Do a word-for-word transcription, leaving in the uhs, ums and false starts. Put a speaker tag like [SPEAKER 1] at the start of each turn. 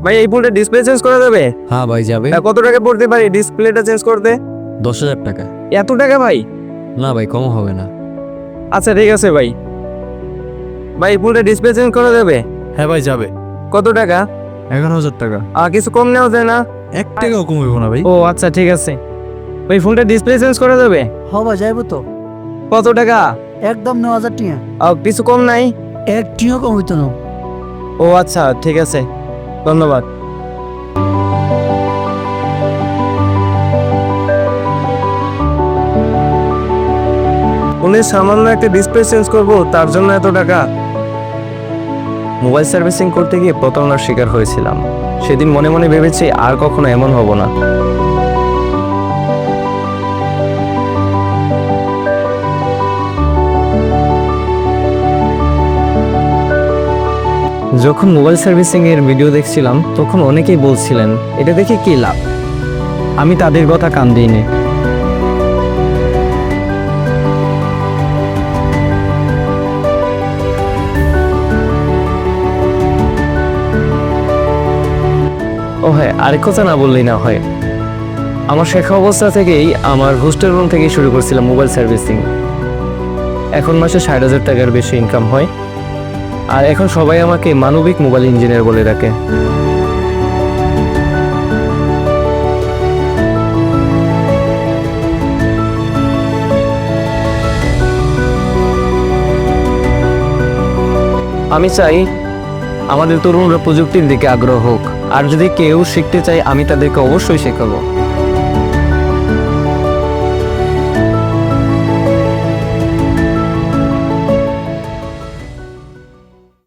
[SPEAKER 1] ভাই এই ফোনটা ডিসপ্লে চেঞ্জ করা যাবে?
[SPEAKER 2] হ্যাঁ ভাই যাবে।
[SPEAKER 1] আহ, কত টাকা পড়তে পারি ডিসপ্লেটা চেঞ্জ করতে?
[SPEAKER 2] দশ হাজার টাকা।
[SPEAKER 1] এত টাকা ভাই?
[SPEAKER 2] না ভাই কম হবে না।
[SPEAKER 1] আচ্ছা ঠিক আছে ভাই। ভাই এই ফোনটা ডিসপ্লে চেঞ্জ করা যাবে?
[SPEAKER 3] হ্যাঁ ভাই যাবে।
[SPEAKER 1] কত টাকা?
[SPEAKER 3] এগারো হাজার টাকা।
[SPEAKER 1] আর কিছু কম নেওয়া যায় না?
[SPEAKER 3] এক টাকাও কম হইব না ভাই।
[SPEAKER 1] ও আচ্ছা ঠিক আছে। ওই ফোনটা ডিসপ্লে চেঞ্জ করা যাবে?
[SPEAKER 4] হবা যাইব তো
[SPEAKER 1] কত টাকা?
[SPEAKER 4] একদম ন হাজার টিয়া
[SPEAKER 1] আর কিছু কম নাই?
[SPEAKER 4] এক টিও কম হইতো না।
[SPEAKER 1] ও আচ্ছা ঠিক আছে, ধন্যবাদ। উনি সামান্য একটা ডিসপ্লে চেঞ্জ করব তার জন্য এত টাকা? মোবাইল সার্ভিসিং করতে গিয়ে প্রতারণার শিকার হয়েছিলাম। সেদিন মনে মনে ভেবেছি আর কখনো এমন হব না। যখন মোবাইল সার্ভিসিং এর ভিডিও দেখছিলাম তখন অনেকেই বলছিলেন এটা দেখে কি লাভ। আমি তাদের কথা কান দিইনি। ও হ্যাঁ, আরেক কথা না বললেই না হয়। আমার শেখা অবস্থা থেকেই আমার হোস্টেল রুম থেকেই শুরু করছিলাম মোবাইল সার্ভিসিং। এখন মাসে ষাট হাজার টাকার বেশি ইনকাম হয়। আর এখন সবাই আমাকে মানবিক মোবাইল ইঞ্জিনিয়ার বলে ডাকে। আমি চাই আমাদের তরুণরা প্রযুক্তির দিকে আগ্রহ হোক, আর যদি কেউ শিখতে চায় আমি তাদেরকে অবশ্যই শেখাবো।